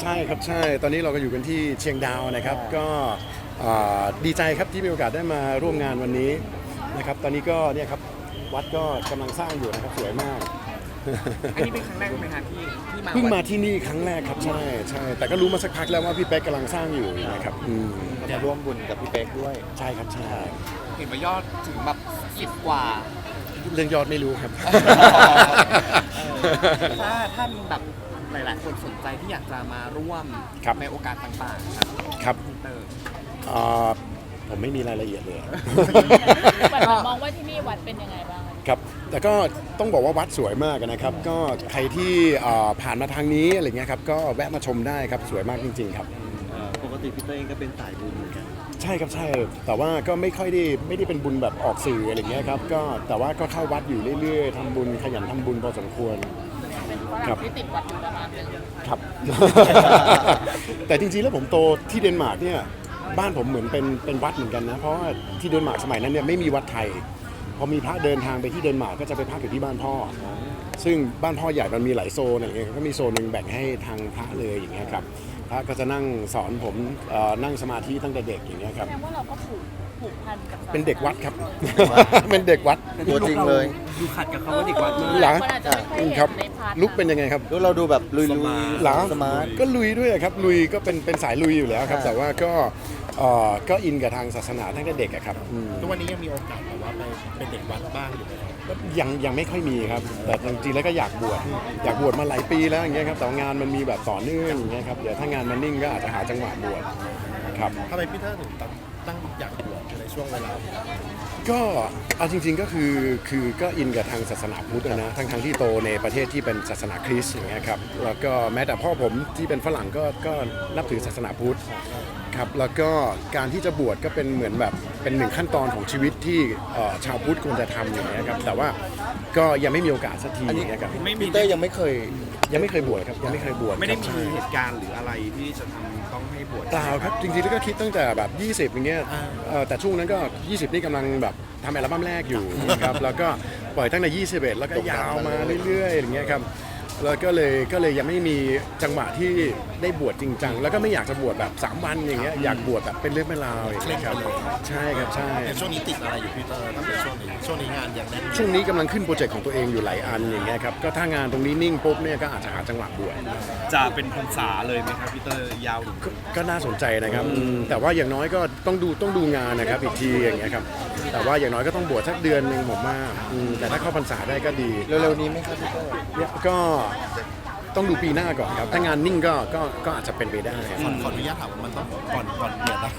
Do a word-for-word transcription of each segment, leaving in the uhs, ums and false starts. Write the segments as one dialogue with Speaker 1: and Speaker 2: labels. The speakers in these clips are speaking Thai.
Speaker 1: ใช่ครับใช่ตอนนี้เราก็อยู่กันที่เชียงดาวนะครับก็ดีใจครับที่มีโอกาสได้มาร่วมงานวันนี้นะครับตอนนี้ก็เนี่ยครับวัดก็กำลังสร้างอยู่นะครับสวยมาก
Speaker 2: อันนี้เป็นครั้งแรกไหมครับที่ที่มา
Speaker 1: เพิ่งมาที่นี่ครั้งแรกครับใช่ใช่แต่ก็รู้มาสักพักแล้วว่าพี่เป๊กกำลังสร้างอยู่นะครับ
Speaker 3: จะร่วมบุญกับพี่เป๊กด้วย
Speaker 1: ใช่ครับใช่
Speaker 2: เห็นว่ายอดถึงแบบสิบกว่า
Speaker 1: เรื่องยอดไม่รู้ครับ
Speaker 2: ถ้าถ้ามีแบบหลายๆคนสนใจที่อยากจะมาร่วมในโอกาสต่างๆครับ
Speaker 1: ครับผมไม่มีรายละเอียดเลย
Speaker 4: มองว่าที่นี่วัดเป็นยังไงบ้าง
Speaker 1: ครับแต่ก็ต้องบอกว่าวัดสวยมากนะครับก็ใครที่ผ่านมาทางนี้อะไรเงี้ยครับก็แวะมาชมได้ครับสวยมากจริงๆครับ
Speaker 3: ปกติพี่เต้เองก็เป็นสายบุญเหมือนกัน
Speaker 1: ใช่ครับใช่แต่ว่าก็ไม่ค่อยได้ไม่ได้เป็นบุญแบบออกสื่ออะไรเงี้ยครับก็แต่ว่าก็เข้าวัดอยู่เรื่อยๆทำบุญขยันทำบุญพอสมควร
Speaker 4: ครับที่ติดวัดอยู่ประมาณนึง
Speaker 1: ครับแต่จริงๆแล้วผมโตที่เดนมาร์กเนี่ยบ้านผมเหมือนเป็นเป็นวัดเหมือนกันนะเพราะว่าที่เดนมาร์กสมัยนั้นเนี่ยไม่มีวัดไทยพอมีพระเดินทางไปที่เดนมาร์กก็จะไปพักอยู่ที่บ้านพ่อซึ่งบ้านพ่อใหญ่มันมีหลายโซนอะไรเงี้ยก็มีโซนหนึ่งแบ่งให้ทางพระเลยอย่างเงี้ยครับพระก็จะนั่งสอนผมนั่งสมาธิตั้งแต่เด็กอย่างเงี้ยครับ
Speaker 4: แสดงว่าเราก็ผูกผูกพันกับ
Speaker 1: เป็นเด็กวัดครับเป็นเด็กวัด
Speaker 3: ตัวจริงเลย
Speaker 2: ดูขัดกับเขาว่าเด็กวัด
Speaker 1: หลังครับลุกเป็นยังไงครับ
Speaker 3: ลุกเราดูแบบลุย
Speaker 1: ๆหลังสมาร์ทก็ลุยด้วยครับลุยก็เป็นเป็นสายลุยอยู่แล้วครับแต่ว่าก็ก็อินกับทางศาสนาตั้งแต่เด็กครับ
Speaker 5: ทุกวันนี้ยังมีโอกาสแบบว่าไปเป็นเด็กวัดบ้างอยู่ไหมครับ
Speaker 1: ยังยังไม่ค่อยมีครับแต่จริงๆแล้วก็อยากบวชอยากบวชมาหลายปีแล้วอย่างเงี้ยครับแต่งานมันมีแบบต่อเนื่องอย่างเงี้ยครับเดี๋ยวถ้างานมันนิ่งก็อาจจะหาจังหวะบวชครับ
Speaker 5: ทำไมพี่เตอร์ถึงตั้งอยากบวชในช่วงเวลา
Speaker 1: ก็เอาจริงๆก็คือคือก็อินกับทางศาสนาพุทธนะทั้งทั้งที่โตในประเทศที่เป็นศาสนาคริสต์อย่างเงี้ยครับแล้วก็แม้แต่พ่อผมที่เป็นฝรั่งก็ก็นับถือศาสนาพุทธครับแล้วก็การที่จะบวชก็เป็นเหมือนแบบเป็นหนึ่งขั้นตอนของชีวิตที่ชาวพุทธควรจะทำอย่างเงี้ยครับแต่ว่าก็ยังไม่มีโอกาสสักทีนะครับ
Speaker 3: พี่เต้ยังไม่เคย
Speaker 1: ยังไม่เคยบวชครับยังไม่เคยบวช
Speaker 2: ไม่ได้มีเหตุการณ์หรืออะไรที่จะทำต้องให้บวช
Speaker 1: เปล่าครับจริงๆแล้วก็คิดตั้งแต่แบบยี่สิบอย่างเงี้ยแต่ช่วงนั้นก็ยี่สิบนี่กำลังแบบทำอัลบั้มแรกอยู่นะครับแล้วก็ปล่อยตั้งแต่ยี่สิบเอ็ดแล้วก็ยาวมาเรื่อยๆอย่างเงี้ยครับแล้วก็เลยก็เลยยังไม่มีจังหวะที่ได้บวชจริงจังแล้วก็ไม่อยากจะบวชแบบสามวันอย่างเงี้ยอยากบวชแบบเป็นเรื่องเป็นราวอย่างเงี้ยครับใช่ครับใช่
Speaker 5: ช่วงนี้ติดอะไรอยู่พี่เตอร์ตั้งแต่ช่วงนี้ช่วงนี้งานอย่างแน่น
Speaker 1: ช่วงนี้กำลังขึ้นโปรเจกต์ของตัวเองอยู่หลายอันอย่างเงี้ยครับก็ถ้างานตรงนี้นิ่งปุ๊บเนี่ยก็อาจจะหาจังหวะบวช
Speaker 2: จะเป็นพรรษาเลยไหมครับพี่เตอร์ยาว
Speaker 1: ก็น่าสนใจนะครับแต่ว่าอย่างน้อยก็ต้องดูต้องดูงานนะครับอีกทีอย่างเงี้ยครับแต่ว่าอย่างน้อยก็ต้องบวชสักเดือนนึงผมว่าแต่ถ้าเข้าพรรษาได้ก็ดี
Speaker 3: เร็วๆนี้ไหมครับพี่เตอร์
Speaker 1: ก็ต้องดูปีหน้าก่อนครับถ้างานนิ่งก็ก็ก็อาจจะเป็นไปได้
Speaker 5: ขอขออนุญาตถามว่ามันต้องก่อนก่อนเบียดนะ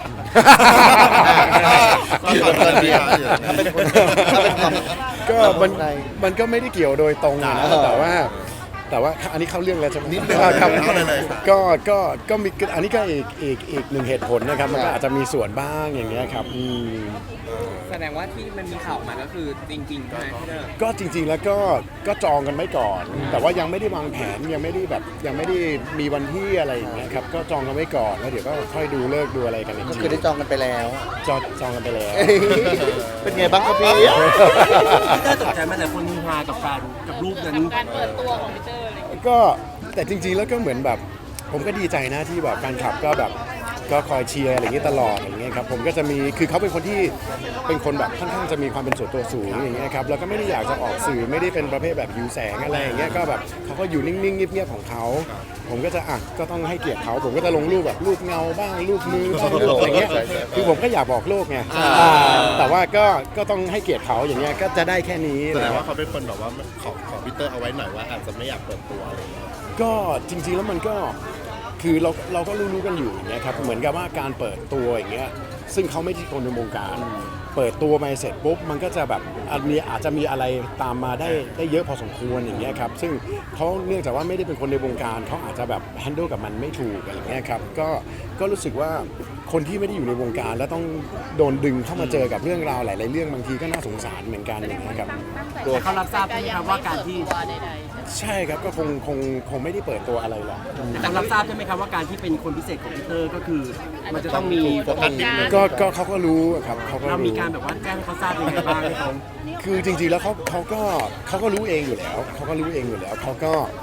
Speaker 1: ก็มันมันก็ไม่ได้เกี่ยวโดยตรงนะแต่ว่าแต่ว่าอันนี้เข้าเรื่องแล้วใช่ไหมนิดนึงครับก็ก็ก็มีอันนี้ก็อีกอีกอีกหนึ่งเหตุผลนะครับมันก็อาจจะมีส่วนบ้างอย่างเงี้ยครับ
Speaker 2: แสดงว่าที่มันมีข่าวมาก็คือจริงๆใช่ไหมพี่เตอร์
Speaker 1: ก็จริงๆแล้วก็ก็จองกันไว้ก่อนแต่ว่ายังไม่ได้วางแผนยังไม่ได้แบบยังไม่ได้มีวันที่อะไรอย่างเงี้ยครับก็จองกันไว้ก่อนแล้วเดี๋ยวก็ค่อยดูเลิกดูอะไรกันอีกที
Speaker 3: ก็คือได้จองกันไปแล้ว
Speaker 1: จองจองกันไปแล้ว
Speaker 3: เป็นไงบ้างครับพี่
Speaker 2: พี่เตอร์ตกใจไหมแต่คนฮือฮากับการกับรูปนั้น
Speaker 4: การเปิดตัวของพี่เตอร์
Speaker 1: ก็แต่จริงๆแล้วก็เหมือนแบบผมก็ดีใจนะที่แบบแฟนคลับก็แบบก็คอยเชียร์อะไรอย่างเงี้ยตลอดอย่างเงี้ยครับผมก็จะมีคือเขาเป็นคนที่เป็นคนแบบค่อนข้างจะมีความเป็นส่วนตัวสูงอย่างเงี้ยครับแล้วก็ไม่ได้อยากจะออกสื่อไม่ได้เป็นประเภทแบบหิวแสงอะไรอย่างเงี้ยก็แบบเขาก็อยู่นิ่งๆเงียบๆของเขาผมก็จะอ่ะก็ต้องให้เกียรติเขาผมก็จะลงรูปแบบรูปเงาบ้างรูปมือบ้างรูปอะไรเงี้ยคือผมก็อยากบอกโลกไงแต่ว่าก็ก็ต้องให้เกียรติเขาอย่างเงี้ยก็จะได้แค่นี้
Speaker 5: แสดงว่าเขาเป็นคนแบบว่าขอขอพีเตอร์เอาไว้หน่อยว่าอาจจะไม่อยากเปิดตัวอะไร
Speaker 1: ก็จริงๆแล้วมันก็คือเราเราก็รู้ๆกันอยู่อย่างเงี้ยครับเหมือนกับว่าการเปิดตัวอย่างเงี้ยซึ่งเขาไม่ใช่คนในวงการเปิดตัวมาเสร็จปุ๊บมันก็จะแบบมีอาจจะมีอะไรตามมาได้ได้เยอะพอสมควรอย่างเงี้ยครับซึ่งเขาเนื่องจากว่าไม่ได้เป็นคนในวงการเขาอาจจะแบบแฮนด์ลกับมันไม่ถูกอะไรเงี้ยครับก็ก็รู้สึกว่าคนที่ไม่ได้อยู่ในวงการแล้วต้องโดนดึงเข้ามาเจอกับเรื่องราวหลายๆเรื่องบางทีก็น่าสงสารเหมือนกันอย่างเงี้ยครับ
Speaker 2: ตัวเขารับทราบใช่ไหมครับว่าการที่
Speaker 1: ใช่ครับก็คงคงคงไม่ได้เปิดตัวอะไรหรอก
Speaker 2: แต่รับทราบใช่ไหมครับว่าการที่เป็นคนพิเศษของพีเตอร์ก็คือมันจะต้องมี
Speaker 1: ก็ก็เขาก็รู้ครับเขาก็
Speaker 2: เรามีการแบบว่าแจ้งเขาทราบยังไงบ้างไหมเขา
Speaker 1: คือจริงๆแล้วเขาเขาก็เขาก็รู้เองอยู่แล้วเขาก็รู้เองอยู่แล้วเขาก็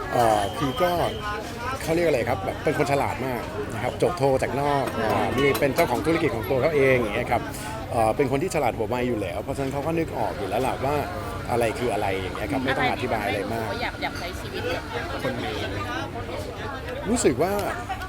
Speaker 1: เอ่อคือก็เขาเรียกอะไรครับแบบเป็นคนฉลาดมากนะครับจบโทจากนอกอ่ามีเป็นเจ้าของธุรกิจของตัวเขาเองอย่างเงี้ยครับเอ่อเป็นคนที่ฉลาดหัวไวอยู่แล้วเพราะฉะนั้นเขาก็นึกออกอยู่แล้วล่ะว่าอะไรคืออะไรอย่างเงี้ยครับไม่ต้องอธิบายอะไรมาก
Speaker 4: อยากอยากใช้ชีวิตแบบคนมี
Speaker 1: รู้สึกว่า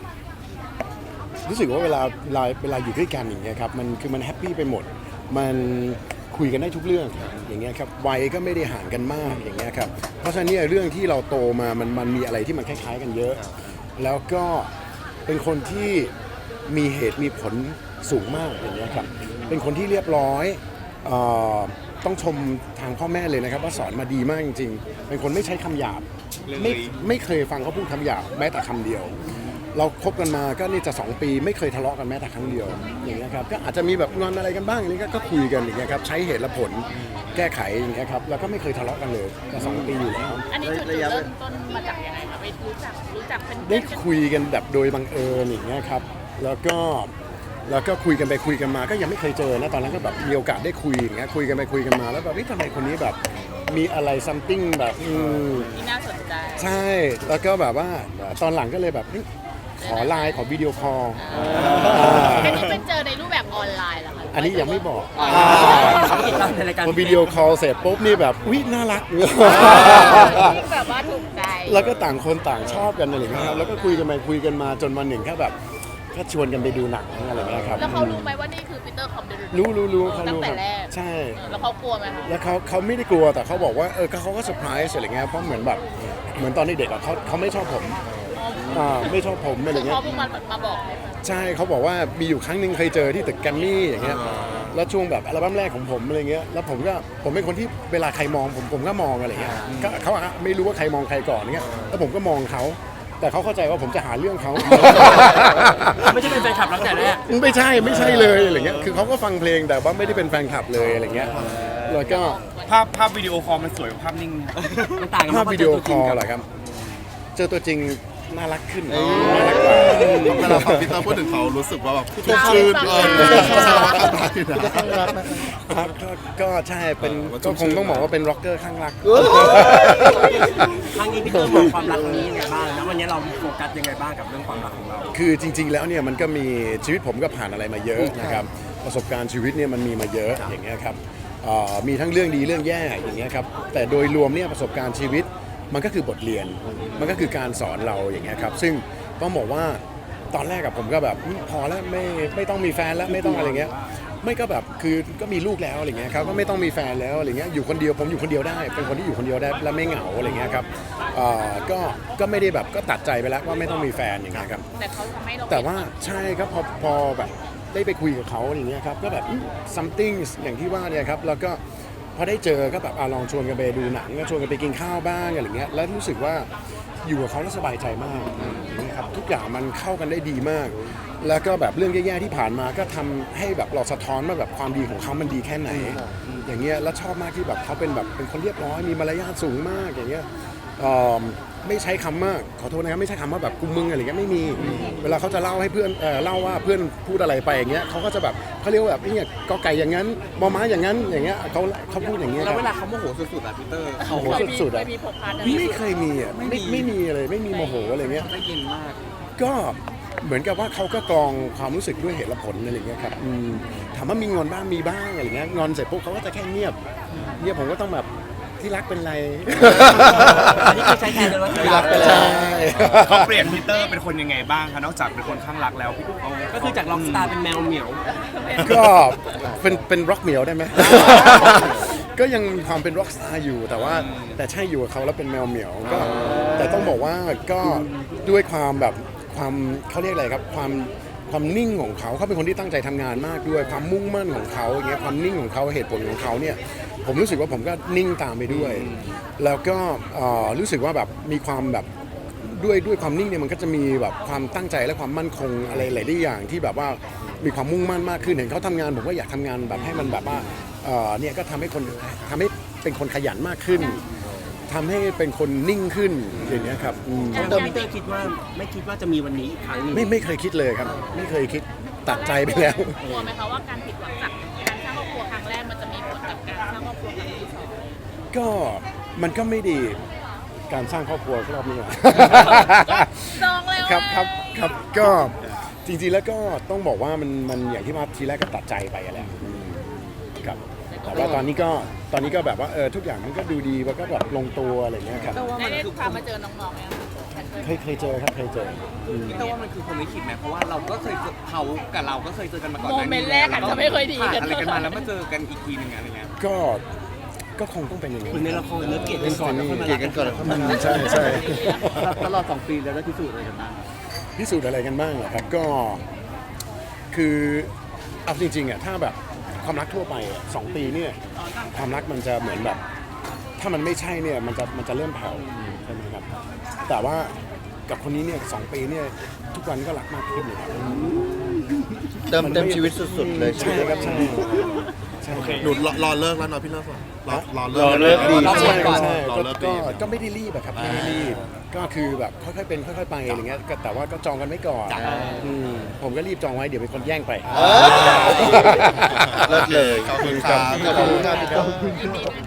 Speaker 1: รู้สึกว่าเวลาเวลาเวลาอยู่ด้วยกันอย่างเงี้ยครับมันคือมันแฮปปี้ไปหมด มันคุยกันได้ทุกเรื่องอย่างเงี้ยครับวัยก็ไม่ได้ห่างกันมากอย่างเงี้ยครับเพราะฉะนั้นเนี่ยเรื่องที่เราโตมามันมันมีอะไรที่มันคล้ายๆกันเยอะ แล้วก็เป็นคนที่มีเหตุมีผลสูงมากอย่างเงี้ยครับเป็นคนที่เรียบร้อยเอ่อต้องชมทางพ่อแม่เลยนะครับว่าสอนมาดีมากจริงๆเป็นคนไม่ใช้คำหยาบไม่ไม่เคยฟังเขาพูดคำหยาบแม้แต่คำเดียว เราคบกันมาก็นี่จะสองปีไม่เคยทะเลาะกันแม้แต่ครั้งเดียวอย่างเงี้ยครับก็อาจจะมีแบบงอนอะไรกันบ้างอย่างนี้ก็ก็คุยกันอย่างเงี้ยครับใช้เหตุและผลแก้ไขอย่างเงี้ยครับแล้วก็ไม่เคยทะเลาะกันเลยจะสองปีอยู่แล้ว
Speaker 4: อันนี้จุดจุดเริ่มต้นมาจากยังไงคะไปรู้จักรู้จักเป็น
Speaker 1: ได้คุยกันแบบโดยบังเอิญอย่างเงี้ยครับแล้วก็แล้วก็คุยกันไปคุยกันมาก็ยังไม่เคยเจอนะตอนนั้นก็แบบมีโอกาสได้คุยอย่างเงี้ยคุยกันไปคุยกันมาแล้วแบบเฮ้ยทำไมคนนี้แบบมีอะไร something แบบอืม
Speaker 4: ที่น่าสนใจ
Speaker 1: ใช่แล้วก็แบบว่าตอนหลังก็เลยแบบเฮ้ยขอไลน์ขอวิดีโอคอล
Speaker 4: อันนี้เป็นเจอในรูปแบบออนไลน์เหรอคะ
Speaker 1: อันนี้ยังไม่บอก
Speaker 2: เขาติดตามในรายการ
Speaker 1: พอวิดีโอคอลเสร็จปุ๊บนี่แบบอุ๊ยน่ารัก
Speaker 4: แบบว่าถูกใจ
Speaker 1: แล้วก็ต่างคนต่างชอบกันอะไรอย่างเงี้ยครับแล้วก็คุยกันไปคุยกันมาจนวันหนึ่งแค่แบบก็ชวนกันไปดูหนังอะไรอย่างเงี้ยครับ
Speaker 4: แล้วเขารู้ไหมว่านี่คือปีเตอร์คอมเดล
Speaker 1: รู้รู้รู้เขา
Speaker 4: ตั้ง
Speaker 1: รู้
Speaker 4: แต่
Speaker 1: ครับ
Speaker 4: แรก
Speaker 1: ใช่
Speaker 4: แล้วเขากลัวไหมคะ
Speaker 1: แล้วเขาเขาไม่ได้กลัวแต่เขาบอกว่าเออเขาก็เซอร์ไพรส์อะไรเงี้ยเพราะเหมือนแบบเหมือนตอนเด็กๆอะเขาเขาไม่ชอบผมอ่าไม่ชอบผมอะไร
Speaker 4: คือ
Speaker 1: เงี้ย
Speaker 4: เขาเพิ่งมามาบอกไหมคะ
Speaker 1: ใช่เขาบอกว่ามีอยู่ครั้งหนึ่งเคยเจอที่ตึกแกรมมี่อย่างเงี้ยแล้วช่วงแบบอัลบั้มแรกของผมอะไรเงี้ยแล้วผมก็ผมเป็นคนที่เวลาใครมองผมผมก็มองอะไรเงี้ยก็เขาอะไม่รู้ว่าใครมองใครก่อนเงี้ยแล้วผมก็มองเขาแต่เขาเข้าใจว่าผมจะหาเรื่องเขา
Speaker 2: ไม่ใช่เป็นแฟนคลับตั้งแต่แรก
Speaker 1: ไม่ใช่ไม่ใช่เลยอะไรเงี้ยคือเขาก็ฟังเพลงแต่ว่าไม่ได้เป็นแฟนคลับเลยอะไรเงี้ยแล้วก็
Speaker 6: ภาพภาพวิดีโอคอลมันสวยกว่าภาพนิ่งไหมครับ
Speaker 2: มันต่างกัน
Speaker 1: ภาพ
Speaker 2: มก
Speaker 1: วิดีโอคอล
Speaker 2: เจ
Speaker 1: เหร
Speaker 2: ตัวจริง
Speaker 1: อครับเจอตัวจริงน่ารักขึ้นน่ารักกว่า
Speaker 5: เวลาฟังพี่เตอร์พูดถึงเขารู้สึกว่าแบบ
Speaker 3: พี่เตอร์
Speaker 5: ชื่นเออ
Speaker 3: พี่เตอร์
Speaker 5: เขา
Speaker 3: ข้าง
Speaker 5: รั
Speaker 3: รั
Speaker 5: ก
Speaker 3: ก
Speaker 5: กันได้นะ
Speaker 3: พี่เตอร์ข้างรักไหม
Speaker 1: ครับก็ก็ใช่เป็น
Speaker 5: เออมัน
Speaker 1: ก็คง
Speaker 5: ชื่น
Speaker 1: ต้องบอกว่าเป็นร็อกเกอร์ข้างรัก
Speaker 2: ครั้งนี้พี่เตอร์มองความรักครั้งนี้ยังไงบ้างแล้ววันนี้เราโฟกัสยังไงบ้างกับเรื่องความรักของเรา
Speaker 1: คือจริง ๆ แล้วเนี่ยมันก็มีชีวิตผมก็ผ่านอะไรมาเยอะนะครับประสบการณ์ชีวิตเนี่ยมันมีมาเยอะอย่างเงี้ยครับเอ่อมีทั้งเรื่องดีเรื่องแย่อย่างเงี้ยครับแต่โดยรวมเนี่ยประสบการณ์ชีวิตมันก็คือบทเรียน มันก็คือการสอนเราอย่างเงี้ยครับซึ่งต้องบอกว่าตอนแรกกับผมก็แบบอืมพอแล้วไม่ไม่ต้องมีแฟนแล้วไม่ต้องอะไรเงี้ยไม่ก็แบบคือก็มีลูกแล้วอะไรเงี้ยครับก็ไม่ต้องมีแฟนแล้วอะไรเงี้ยอยู่คนเดียวผมอยู่คนเดียวได้เป็นคนที่อยู่คนเดียวได้และไม่เหงาอะไรเงี้ยครับเอ่อก็ก็ไม่ได้แบบก็ตัดใจไปแล้วว่าไม่ต้องมีแฟนอย่างเงี้ยครับ
Speaker 4: แต่เขาทำให้เรา
Speaker 1: แต่ว่าใช่ครับพอพอแบบได้ไปคุยกับเขาอย่างเงี้ยครับก็แบบอืม something อย่างที่ว่าเนี่ยครับแล้วก็พอได้เจอก็แบบอ่ะลองชวนกันไปดูหนังก็ชวนกันไปกินข้าวบ้างอะไรเงี้ยแล้วรู้สึกว่าอยู่กับเขาแล้วสบายใจมากอย่างเงี้ยครับทุกอย่างมันเข้ากันได้ดีมาก แล้วก็แบบเรื่องแย่ๆที่ผ่านมาก็ทำให้แบบเราสะท้อนว่าแบบความดีของเขามันดีแค่ไหน อย่างเงี้ยแล้วชอบมากที่แบบเขาเป็นแบบเป็นคนเรียบร้อยมีมารยาทสูงมากอย่างเงี้ยเอ่อไม่ใช้คำมากขอโทษนะครับไม่ใช้คำว่าแบบกูมึงอะไรเงี้ยไม่มีเวลาเขาจะเล่าให้เพื่อนเอ่อเล่าว่าเพื่อนพูดอะไรไปอย่างเงี้ยเขาก็จะแบบเขาเรียกว่าแบบเนี่ยกอไก่อย่างนั้นมอม้าอย่างนั้นอย่างเงี้ยเขาเขาพูดอย่างเงี้ยค
Speaker 2: แล้
Speaker 1: รั
Speaker 2: ว
Speaker 1: บ
Speaker 2: เวลาเขาโมโหสุดๆอ่ะพีเตอร์
Speaker 1: โอ้โหสุดๆอะ
Speaker 4: เคยมีพกพาอะไร
Speaker 1: ไม่เคยมีอ่ะไม่ไม่มีเลยไม่มีโมโหอะไรเงี้ย
Speaker 2: ได้ยินมาก
Speaker 1: ก็เหมือนกับว่าเขาก็กรองความรู้สึกด้วยเหตุและผลอะไรอย่างเงี้ยครับอืมถามว่ามีงอนบ้างมีบ้างอะไรเงี้ยงอนเสร็จปุ๊บเขาก็จะแค่เงียบเงียบผมก็ต้องแบบที่รักเป็นไร
Speaker 2: อันนี้คือใช้แทนเลยว่าที่รัก
Speaker 1: ใช่
Speaker 6: เขาเปลี่ยนพีเตอร์เป็นคนยังไงบ้างคะนอกจากเป็นคนข้างรักแล้วพี่เขา
Speaker 2: ก็คือจากล็อกสตาร์เป็นแมวเหมียว
Speaker 1: ก็เป็นเป็นร็อกเหมียวได้ไหม ก็ยังมีความเป็นร็อกสตาร์อยู่แต่ว่าแต่ใช่อยู่กับเขาแล้วเป็นแมวเหมียวก็แต่ต้องบอกว่าก็ด้วยความแบบความเขาเรียกอะไรครับความความนิ่งของเขาเขาเป็นคนที่ตั้งใจทำงานมากด้วยความมุ่งมั่นของเขาอย่างเงี้ยความนิ่งของเขาเหตุผลของเขาเนี่ยผมรู้สึกว่าผมก็นิ่งตามไปด้วย แล้วก็เอ่อรู้สึกว่าแบบมีความแบบด้วยด้วยความนิ่งเนี่ยมันก็จะมีแบบความตั้งใจและความมั่นคงอะไรหลายๆอย่างที่แบบว่ามีความมุ่งมั่นมากขึ้นเห็นเขาทำงานผมก็อยากทำงานแบบให้มันแบบว่าเอ่อเนี่ยก็ทำให้คนทำให้เป็นคนขยันมากขึ้นทำให้เป็นคนนิ่งขึ้นอย่างเงี้ยครับอืม
Speaker 2: เติมพีเตอร์คิดว่าไม่คิดว่าจะมีวันนี้อีกครั้งหนึง
Speaker 1: ไม่ไม่เคยคิดเลยครับ ไม่เคยคิดตัดใจไปแล้ว
Speaker 4: กลัวไหมคะว่าการผิดหวังจากการสร้างครอบครัวครั้งแรกมันจะมีผลกับการสร้างครอบครัวครั้งที่สอง
Speaker 1: ก็มันก็ไม่ดีการสร้างครอบครัวรอบนี้อะ
Speaker 4: จองแล้ว
Speaker 1: ครับครับครับก็จริงๆแล้วก็ต้องบอกว่ามันมันอย่างที่มาทีแรกก็ตัดใจไปอะแหละอืมครับแต่ว่าตอนนี้ก็ตอนนี้ก็แบบว่าเออทุกอย่างมันก็ดูดีมันก็แบบลงตัวอะไรเงี้ยครับ
Speaker 2: แต่ว่ามัน
Speaker 4: ได้
Speaker 2: คือ
Speaker 4: พามาเจอน้องๆไหมคะ
Speaker 1: เคยเคยเจอครับเคยเจออืม
Speaker 2: แต่ว่ามันคือคนลิขิตไหมเพราะว่าเราก็เคยเจอเขากับเราก็เคยเจอกันมาก่อน
Speaker 4: โมเมนต์แรกอาจจะไม่ค่อยดี
Speaker 2: ผ่าน
Speaker 4: กัน
Speaker 2: อะไรกันมาแล้วมาเจอกันอีกทีหนึงอะไรเงี้ย
Speaker 1: ก็ก็คงต้องเป็นอย่างนี้
Speaker 2: คุณในละครเนื้อเกลียดกันก่อนแล้วค่อยมา
Speaker 3: เกลียดกันก่อนแล้วค่อยมา
Speaker 1: ใช่ใช่
Speaker 2: ตลอดสองปีแล้วได้พิสูจน์อะไรกันบ้าง
Speaker 1: พิสูจน์อะไรกันบ้างเหรอครับก็คือเอาจริงๆอ่ะถ้าแบบความรักทั่วไปอะสองปีเนี่ยความรักมันจะเหมือนแบบ ถ้ามันไม่ใช่เนี่ยมันจะมันจะเริ่มแผ่วใช่ไหมครับแต่ว่ากับคนนี้เนี่ยสองปีเนี่ยทุกวันก็รักมากขึ้นเลยครับ
Speaker 3: เติมเต็มชีวิตสุดๆเลย
Speaker 1: ใช่ครับใช่ใช่ครับ
Speaker 5: หนูรอรอเลิกแล้วเนาะพี่เลิกก่อนรอรอ
Speaker 3: รอเลิกดี
Speaker 1: ใช่
Speaker 2: ก่อน
Speaker 1: ใช่
Speaker 5: รอ
Speaker 1: ก็
Speaker 5: เลิก
Speaker 1: ก็
Speaker 5: ดี
Speaker 1: ก็ไม่ได้รีบอะครับไม่ได้รีบก็คือแบบค่อยๆเป็นค่อยๆไปอะไรเงี้ยก็แต่ว่าก็จองกันไว้ก่อนอืมผมก็รีบจองไว้เดี๋ยวเป็นคนแย่งไป
Speaker 3: เลิกเลย
Speaker 5: ขอบคุณครับ
Speaker 3: ขอบคุณครับพี่เตอร์